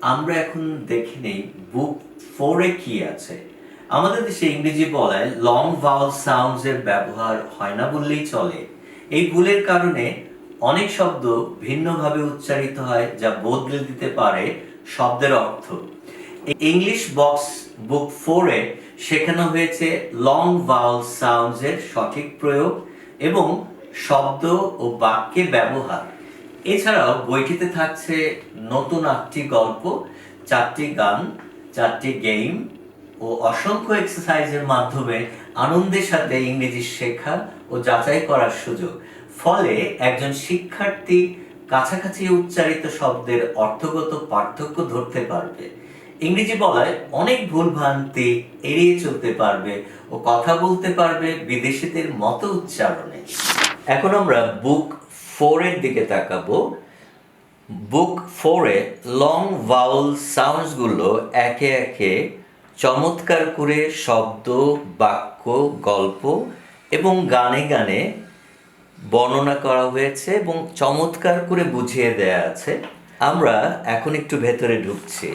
আমরা এখন দেখে নেই বুক 4-এ কি আছে। আমাদের দেশে ইংরেজি বলায় লং ভাওয়াল সাউন্ডস এর ব্যবহার হয় না বললেই চলে। এই ভুলের কারণে অনেক শব্দ ভিন্নভাবে উচ্চারিত হয়, যা বদলে দিতে পারে শব্দের অর্থ। ইংলিশ বক্স বুক 4-এ শেখানো হয়েছে লং ভাওয়াল সাউন্ডস এর সঠিক প্রয়োগ এবং শব্দ ও বাক্যে ব্যবহার। এছাড়াও বইটিতে থাকছে নতুন 8টি গল্প, 4টি গান, 4টি গেম ও অসংখ্য এক্সারসাইজের মাধ্যমে আনন্দের সাথে ইংরেজি শেখা ও যাচাই করার সুযোগ। ফলে একজন শিক্ষার্থী কাছাকাছি উচ্চারিত শব্দের অর্থগত পার্থক্য ধরতে পারবে, ইংরেজি বলায় অনেক ভুলভ্রান্তি এড়িয়ে চলতে পারবে ও কথা বলতে পারবে বিদেশিদের মতো উচ্চারণে। এখন আমরা বুক 4-এর দিকে তাকাবো। বুক 4-এ লং ভাওয়াল সাউন্ডসগুলো একে একে চমৎকার করে শব্দ, বাক্য, গল্প এবং গানে গানে বর্ণনা করা হয়েছে এবং চমৎকার করে বুঝিয়ে দেয়া আছে। আমরা এখন একটু ভেতরে ঢুকছি।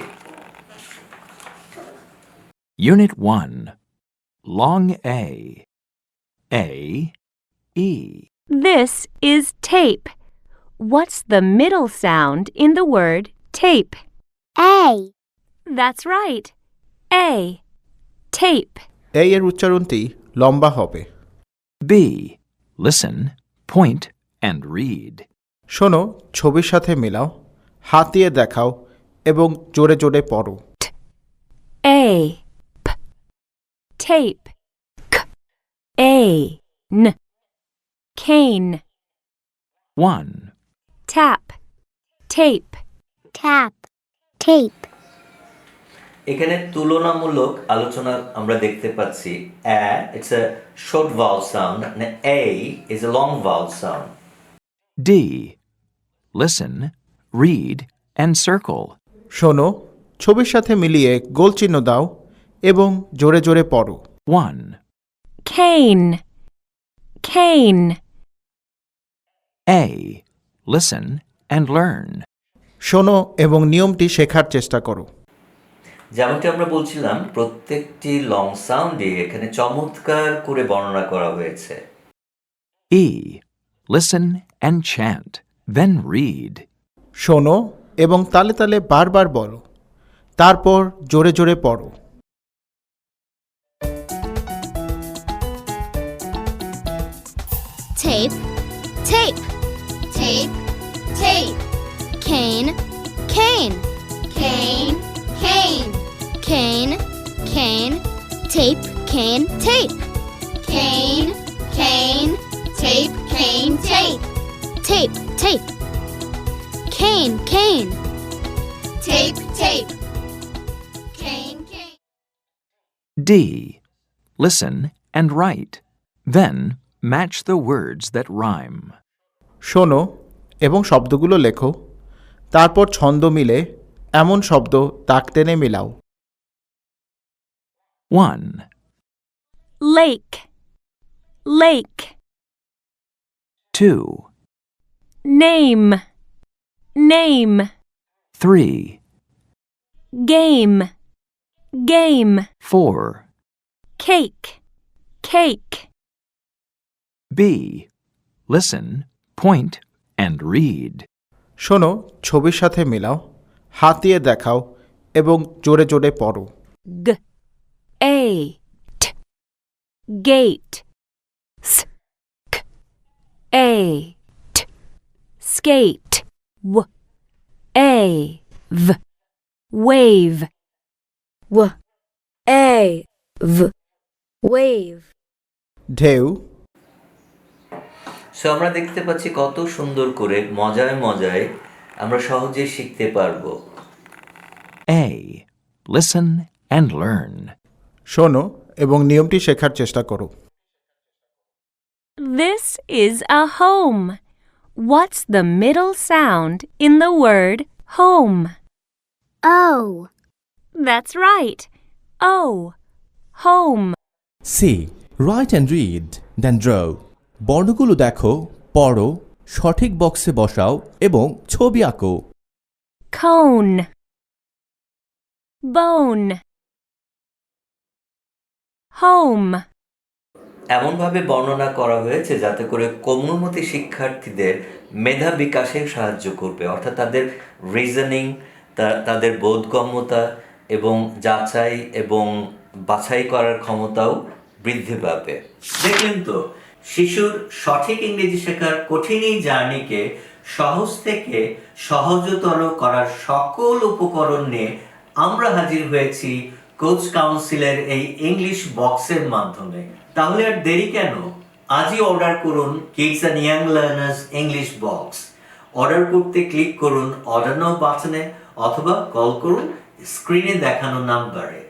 Unit 1. Long A. A, E. This is tape. What's the middle sound in the word tape? A. That's right. A. Tape. এই এর উচ্চারণটি লম্বা হবে। B. Listen, point, and read. শোনো, ছবির সাথে মেলাও, হাত দিয়ে দেখাও এবং জোরে জোরে পড়ো। A. P. Tape. K. A. N. Cane. 1. Tap. Tape. Tap. Tape. এখানে তুলনামূলক আলোচনা আমরা দেখতে পাচ্ছি। it's a short vowel sound and A is a long vowel sound. D. Listen, read, and circle. শোনো, ছবির সাথে মিলিয়ে গোল চিহ্ন দাও এবং জোরে জোরে পড়ো। 1. Cane. Cane. A. Listen and learn. শোনো এবং নিয়মটি শেখার চেষ্টা করো। যেমনটি আমরা বলছিলাম, প্রত্যেকটি লং সাউন্ডে এখানে চমৎকার করে বর্ণনা করা হয়েছে। E. Listen and chant, then read. শোনো এবং তালে তালে বারবার বলো, তারপর জোরে জোরে পড়ো। Tape. Tape. Tape. Tape. Cane. Cane. Cane. Cane. Cane. Cane. Tape. Cane. Tape. Cane. Cane. Tape. Cane. Tape. Tape. Tape. Cane. Cane. Tape. Tape. Cane. Cane. D. Listen and write. Then match the words that rhyme. শোনো এবং শব্দগুলো লেখো, তারপর ছন্দ মিলে এমন শব্দ দাগ টেনে মেলাও। 1. Lake. Lake. 2. Name. Name. 3. Game. Game. 4. Cake. Cake. B. Listen, point, and read. শোনো, ছবির সাথে মেলাও, হাত দিয়ে দেখাও এবং জোরে জোরে পড়ো। G. A. T. Gate. S. K. A. T. Skate. W. A. V. Wave. W. A. V. Wave. ঢেউ। সো আমরা দেখতে পাচ্ছি কত সুন্দর করে মজায় মজায় আমরা সহজে শিখতে পারবো। A. Listen and learn. শোনো এবং নিয়মটি শেখার চেষ্টা করো। This is a home. What's the middle sound in the word home? O. That's right. O. Home. C. Write and read, then draw. বর্ণগুলো দেখো, পড়ো, সঠিক বক্সে বসাও এবং ছবি আঁকো। Cone. bone. Home. এমনভাবে বর্ণনা করা হয়েছে যাতে করে কোমলমতি শিক্ষার্থীদের মেধা বিকাশে সাহায্য করবে, অর্থাৎ তাদের রিজনিং, তাদের বোধগম্যতা এবং যাচাই এবং বাছাই করার ক্ষমতাও বৃদ্ধি পাবে। দেখলেন তো, শিশুর সঠিক ইংরেজি শেখার কঠিন এই জার্নিকে সহজ থেকে সহজতর করার সকল উপকরণ নিয়ে আমরা হাজির হয়েছি কোচ কাউন্সিলের এই ইংলিশ বক্সের মাধ্যমে। তাহলে আর দেরি কেন? আজই অর্ডার করুন kids and young learners English box. Order করতে ক্লিক করুন অর্ডার নাও বাটনে অথবা কল করুন স্ক্রিনে দেখানো নাম্বারে।